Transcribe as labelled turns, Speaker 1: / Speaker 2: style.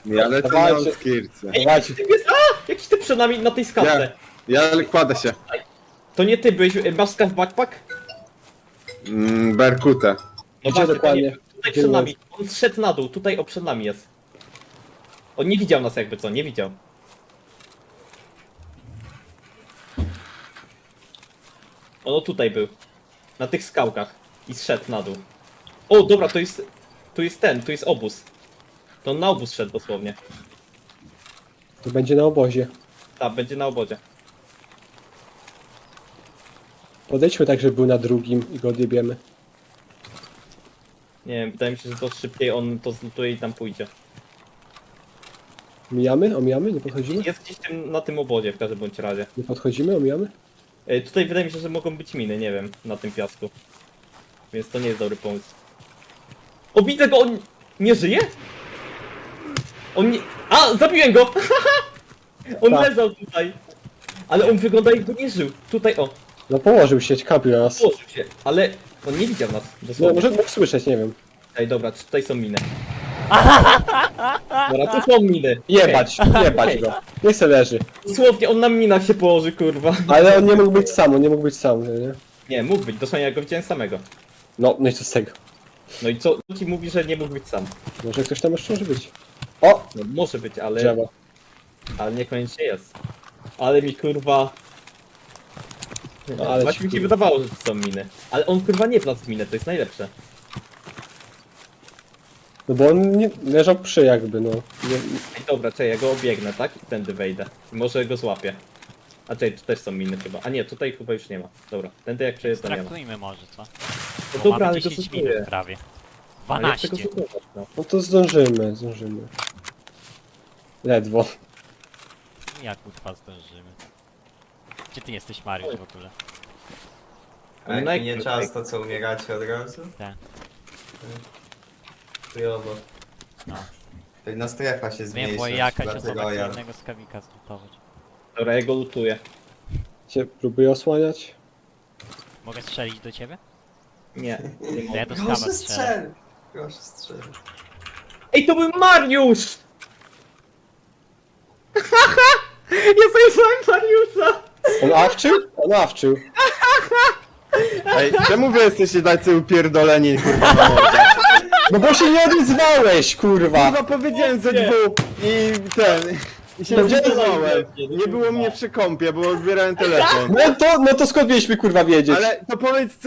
Speaker 1: Ja lecę na
Speaker 2: Dawajcie.
Speaker 1: outskircie.
Speaker 3: Ej,
Speaker 2: Dawajcie.
Speaker 3: jakiś typ jest, jakiś typ przed nami na tej skałce.
Speaker 1: Ja kładę się.
Speaker 3: To nie ty byłeś, masz skaw backpack?
Speaker 1: Berkutę.
Speaker 3: No
Speaker 2: Gdzie
Speaker 3: właśnie,
Speaker 2: dokładnie?
Speaker 3: Tutaj
Speaker 2: Gdzie
Speaker 3: przed
Speaker 2: jest?
Speaker 3: nami, on zszedł na dół, tutaj przed nami jest. On nie widział nas jakby co, nie widział. On tutaj był. Na tych skałkach. I zszedł na dół. O, dobra, to jest... Tu jest obóz. To on na obóz szedł dosłownie.
Speaker 2: To będzie na obozie.
Speaker 3: Tak, będzie na obozie.
Speaker 2: Podejdźmy tak, żeby był na drugim i go odjebiemy.
Speaker 3: Nie wiem, wydaje mi się, że to szybciej on to zlutuje i tam pójdzie.
Speaker 2: Omijamy? Omijamy? Nie podchodzimy?
Speaker 3: Jest gdzieś na tym obozie w każdym bądź razie.
Speaker 2: Nie podchodzimy? Omijamy?
Speaker 3: Tutaj wydaje mi się, że mogą być miny, nie wiem, na tym piasku. Więc to nie jest dobry pomysł. O, widzę go, on nie żyje? On nie... A, zabiłem go! On
Speaker 2: Tak.
Speaker 3: leżał tutaj. Ale on wygląda jakby nie żył. Tutaj, o,
Speaker 2: No położył się, kampił na nas.
Speaker 3: położył się. Ale on nie widział nas,
Speaker 2: No
Speaker 3: dosłownie.
Speaker 2: może mógł słyszeć, nie wiem.
Speaker 3: Ej, dobra, tutaj są miny. Dobra, tu są miny.
Speaker 2: Jebać, jebać
Speaker 3: Okej.
Speaker 2: go. Niech se leży.
Speaker 3: Dosłownie on na minach się położy, kurwa.
Speaker 2: Ale on nie mógł być sam, on nie mógł być sam, nie?
Speaker 3: Nie, mógł być, dosłownie ja go widziałem samego.
Speaker 2: No i co z tego?
Speaker 3: No i co ci mówi, że nie mógł być sam?
Speaker 2: Może ktoś tam jeszcze może być. O!
Speaker 3: No może być, ale...
Speaker 2: Drzewo.
Speaker 3: Ale niekoniecznie jest. Ale mi kurwa...
Speaker 2: No, ale
Speaker 3: Właśnie
Speaker 2: ci
Speaker 3: mi się
Speaker 2: kurwa.
Speaker 3: wydawało, że to są miny. Ale on kurwa nie wlazł w minę, to jest najlepsze.
Speaker 2: No bo on nie, leżał przy jakby, no. Nie,
Speaker 3: Ej, dobra, czekaj, ja go obiegnę, tak? I tędy wejdę. I może go złapię. A czekaj, tu też są miny chyba. A nie, tutaj chyba już nie ma. Dobra, tędy jak przejeżdżam nie ma.
Speaker 4: Traktujmy może, co?
Speaker 3: No
Speaker 4: Bo
Speaker 3: dobra,
Speaker 4: mamy
Speaker 3: ale go
Speaker 4: 10
Speaker 3: stosuję.
Speaker 4: minut prawie.
Speaker 3: Ale ja chcę
Speaker 4: 12.
Speaker 3: go stosować, no.
Speaker 2: no to zdążymy, zdążymy. Ledwo.
Speaker 4: Jak kurwa zdążymy? Gdzie ty jesteś, Mariusz, w ogóle?
Speaker 5: A jak
Speaker 3: No
Speaker 5: minie
Speaker 3: jak-
Speaker 5: czas, to co, umieracie od razu?
Speaker 4: Tak.
Speaker 5: Chujowo.
Speaker 4: No.
Speaker 5: Pewna strefa się zmniejsza.
Speaker 4: Wiem, bo jakaś
Speaker 5: dlatego
Speaker 4: osoba chce
Speaker 5: ja...
Speaker 4: jednego skawika zlutować.
Speaker 3: Dobra, ja go lutuję.
Speaker 2: Cię próbuję osłaniać.
Speaker 4: Mogę strzelić do ciebie?
Speaker 3: Nie, nie
Speaker 4: To ja
Speaker 3: mogę.
Speaker 4: do skawa
Speaker 5: Proszę
Speaker 4: strzelę.
Speaker 5: strzel! Proszę strzel.
Speaker 3: Ej, to był Mariusz! Ja zajrzałem Mariusza!
Speaker 2: On awczył? On awczył.
Speaker 1: Ej, czemu wy jesteście tacy upierdoleni, kurwa, na mordę?
Speaker 2: No bo się nie odezwałeś, kurwa!
Speaker 1: Kurwa, powiedziałem ze dwóch i ten... I się
Speaker 2: Gdzie
Speaker 1: odezwałem. Nie było mnie przy kąpie, bo odbierałem telefon.
Speaker 2: No to skąd mieliśmy kurwa wiedzieć?
Speaker 1: Ale to powiedz,